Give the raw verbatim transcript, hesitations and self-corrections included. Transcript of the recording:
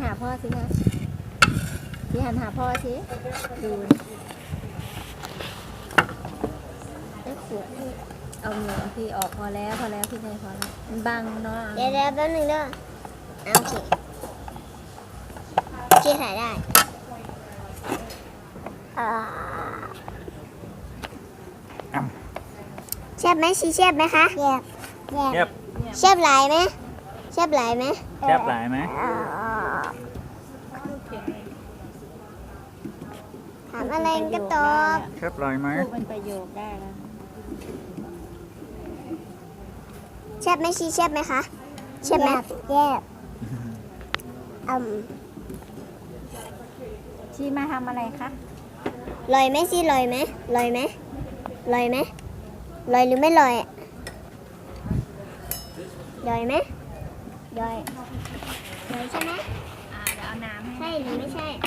หาพ่อสินะพี่หันหาพ่อสิดูไอ้ขวดนี่เอาเหงื่อพี่ออกพอแล้วพอแล้วพี่นายพอแล้วมันบังเนาะเดี๋ยวเดี๋ยวแป๊บนึงเด้อเอาโอเคโอเคถ่ายได้อ่าแซ่บไหมชีแซ่บไหมคะแซ่บแซ่บเงียบแซ่บหลายไหมแซ่บหลายไหมแคบหลายไหมถามอะไรก็ตอบแคบหลายไหมพูดเป็นประโยคได้แล้วแซ่บไหมชีแซ่บไหมคะแซ่บไหมแซ่บอืมชีมาทำอะไรคะลอยไหมชีลอยไหมลอยไหมลอยไหมลอยหรือไม่ลอยลอยไหมลอยลอยใช่ไหมอ่าเดี๋ยวเอาน้ำให้ใช่หรือไม่ใช่